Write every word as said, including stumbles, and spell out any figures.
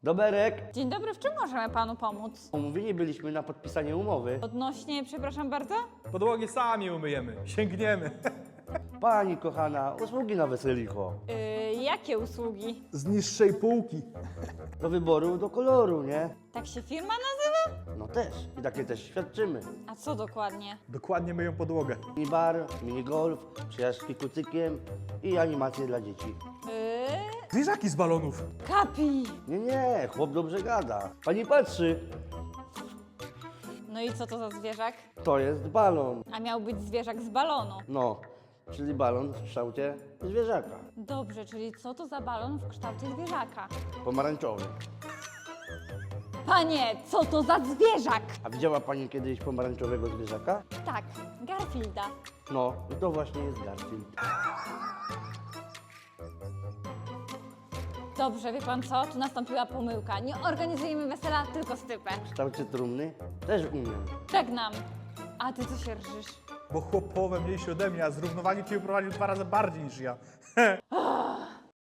Doberek, Dzień dobry, w czym możemy panu pomóc? umówieni byliśmy na podpisanie umowy. Odnośnie, przepraszam bardzo? Podłogi sami umyjemy, sięgniemy. Pani kochana, usługi na weselicho. Yy, jakie usługi? Z niższej półki. Do wyboru, do koloru, nie? Tak się firma nazywa? No też. I takie też świadczymy. A co dokładnie? Dokładnie myją podłogę. Mini bar, mini golf, przejażdżki kucykiem i animacje dla dzieci. Yy, Zwierzaki z balonów. kapi! Nie, nie, chłop dobrze gada. Pani patrzy, No i co to za zwierzak? to jest balon. A miał być zwierzak z balonu. No, czyli balon w kształcie zwierzaka. Dobrze, czyli co to za balon w kształcie zwierzaka? Pomarańczowy. Panie, co to za zwierzak? A widziała pani kiedyś pomarańczowego zwierzaka? Tak, Garfielda. No, i to właśnie jest Garfield. Dobrze, wie pan co? Tu nastąpiła pomyłka. Nie organizujemy wesela, tylko stypę. W kształcie trumny też umiem. Żegnam. A ty co się rżysz? Bo chłopowe mniejsze ode mnie, a z równowagi cię uprowadził dwa razy bardziej niż ja. O,